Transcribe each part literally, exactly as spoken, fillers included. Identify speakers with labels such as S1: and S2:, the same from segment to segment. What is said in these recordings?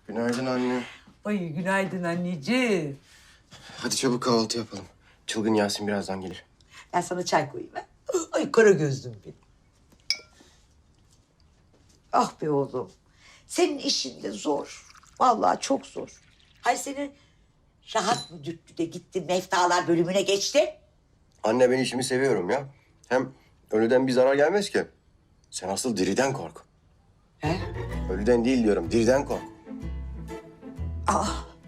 S1: Günaydın anne.
S2: Ay günaydın anneciğim.
S1: Hadi çabuk kahvaltı yapalım. Çılgın Yasin birazdan gelir.
S2: Ben sana çay koyayım ha. Ay kara gözlüm benim. Ah be oğlum. Senin işin de zor. Vallahi çok zor. Hay senin rahat mı dürttü de gitti meftalar bölümüne geçti?
S1: Anne ben işimi seviyorum ya. Hem ölüden bir zarar gelmez ki. Sen asıl diriden kork.
S2: He?
S1: Ölüden değil diyorum, diriden kork.
S2: Aa.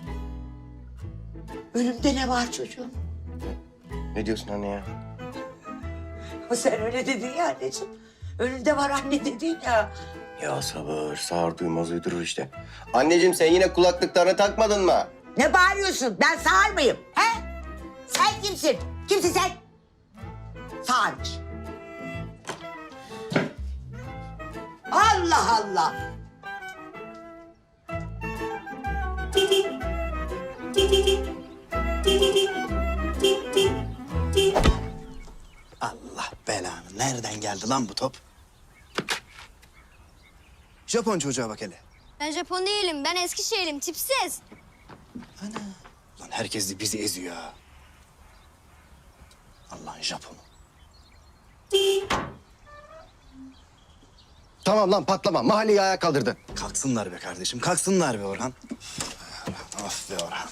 S2: Ölümde ne var çocuğum?
S1: Ne diyorsun anne ya?
S2: O sen öyle dedin ya anneciğim. Önünde var anne dedin ya.
S1: Ya sabır, sağır duymaz uydurur işte. Anneciğim sen yine kulaklıklarını takmadın mı?
S2: Ne bağırıyorsun? Ben sağır mıyım? He? Sen kimsin? Kimsin sen? Sağırmış. Allah Allah.
S3: Allah belanı. Nereden geldi lan bu top? Japon çocuğa bak hele.
S4: Ben Japon değilim. Ben Eskişehir'im. Tipsiz.
S3: Lan herkes de bizi eziyor ha. Allah'ın Japonu.
S1: Tamam lan patlama. Mahalleyi ayağa kaldırdın.
S3: Kalksınlar be kardeşim. Kalksınlar be Orhan. Of be Orhan.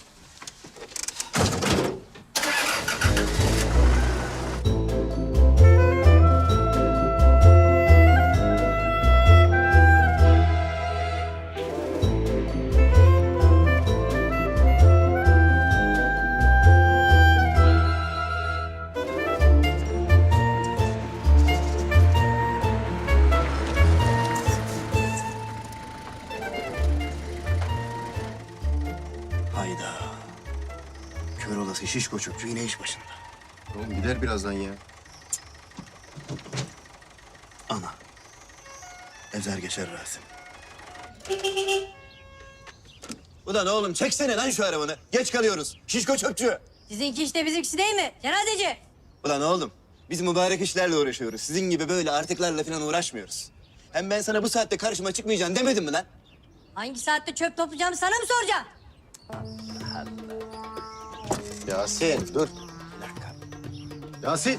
S3: Hayda. Kör olası şişko çöpçü yine iş başında.
S1: Oğlum gider birazdan ya.
S3: Ana. Ezer geçer Rasim. Ulan oğlum çeksene lan şu arabanı. Geç kalıyoruz. Şişko çöpçü.
S4: Sizinki işte bizimkisi değil mi? Cenazeci.
S3: Ulan oğlum biz mübarek işlerle uğraşıyoruz. Sizin gibi böyle artıklarla falan uğraşmıyoruz. Hem ben sana bu saatte karşıma çıkmayacaksın demedim mi lan?
S4: Hangi saatte çöp toplayacağımı sana mı soracağım?
S1: Yasin dur.
S3: Bir dakika.
S1: Yasin.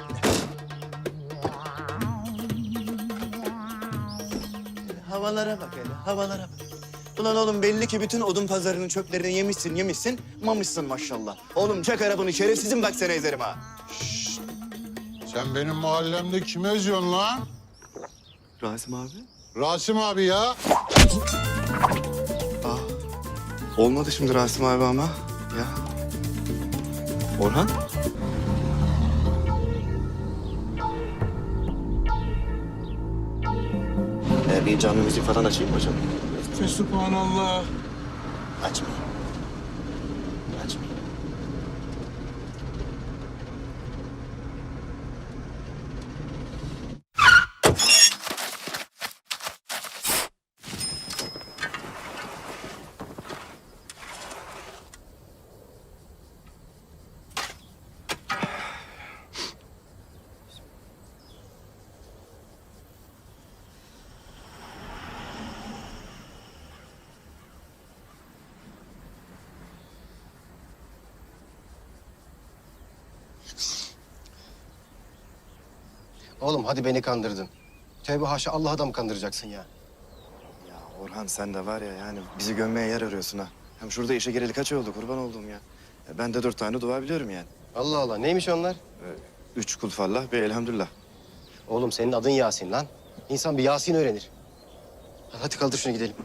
S3: Havalara bak hele, havalara bak. Ulan oğlum belli ki bütün odun pazarının çöplerini yemişsin, yemişsin, mamışsın maşallah. Oğlum çek arabanı şerefsizim bak seni ezerim ha.
S5: Sen benim mahallemde kimi eziyorsun lan?
S3: Rasim abi.
S5: Rasim abi ya.
S3: Olmadı şimdi Rasim abi ama ya. Orhan? Ee, bir canlı müzik falan açayım hocam.
S5: Fesubhanallah.
S3: Açmayayım. Açmayayım.
S1: Oğlum hadi beni kandırdın. Tevbe haşa Allah'a da mı kandıracaksın ya?
S3: Ya Orhan sen de var ya yani bizi gömmeye yer arıyorsun ha. Hem şurada işe gireli kaç oldu kurban olduğum ya. Ya ben de dört tane dua biliyorum yani.
S1: Allah Allah neymiş onlar?
S3: Üç kul fallah bir elhamdülillah.
S1: Oğlum senin adın Yasin lan. İnsan bir Yasin öğrenir. Hadi kaldır şunu gidelim.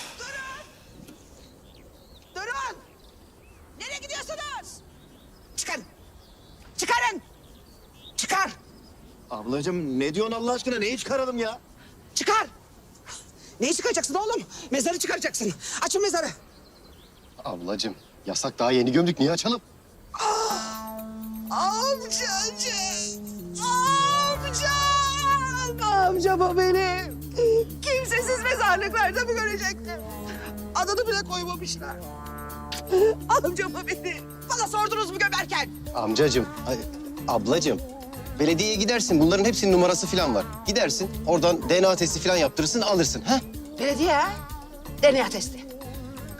S6: Durun! Nereye gidiyorsunuz? Çıkın! Çıkarın! Çıkar!
S3: Ablacığım ne diyorsun Allah aşkına neyi çıkaralım ya?
S6: Çıkar! Neyi çıkaracaksın oğlum? Mezarı çıkaracaksın. Açın mezarı.
S1: Ablacığım yasak daha yeni gömdük niye açalım?
S6: Amcacığım! Amcam! Amcam o benim. Kimsesiz mezarlıklarda mı görecektim? Adını bile koymamışlar. Amcam o benim. Bana sordunuz mu gömerken?
S1: Amcacığım, ay, ablacığım. Belediyeye gidersin bunların hepsinin numarası falan var. Gidersin oradan D N A testi falan yaptırırsın alırsın ha?
S6: Belediye ha? D N A testi.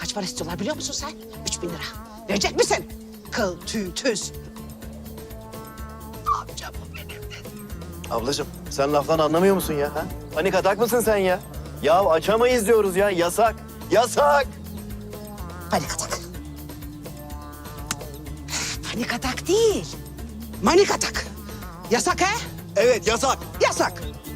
S6: Kaç para istiyorlar biliyor musun sen? Üç bin lira. Verecek misin? Kıl, tüy, tüz. Amcam bu benim.
S3: Ablacığım sen laftan anlamıyor musun ya? Ha? Panik atak mısın sen ya? Ya açamayız diyoruz ya. Yasak. Yasak.
S6: Panik atak. Panik atak değil. Manik atak. Yasak he?
S3: Evet yasak.
S6: Yasak.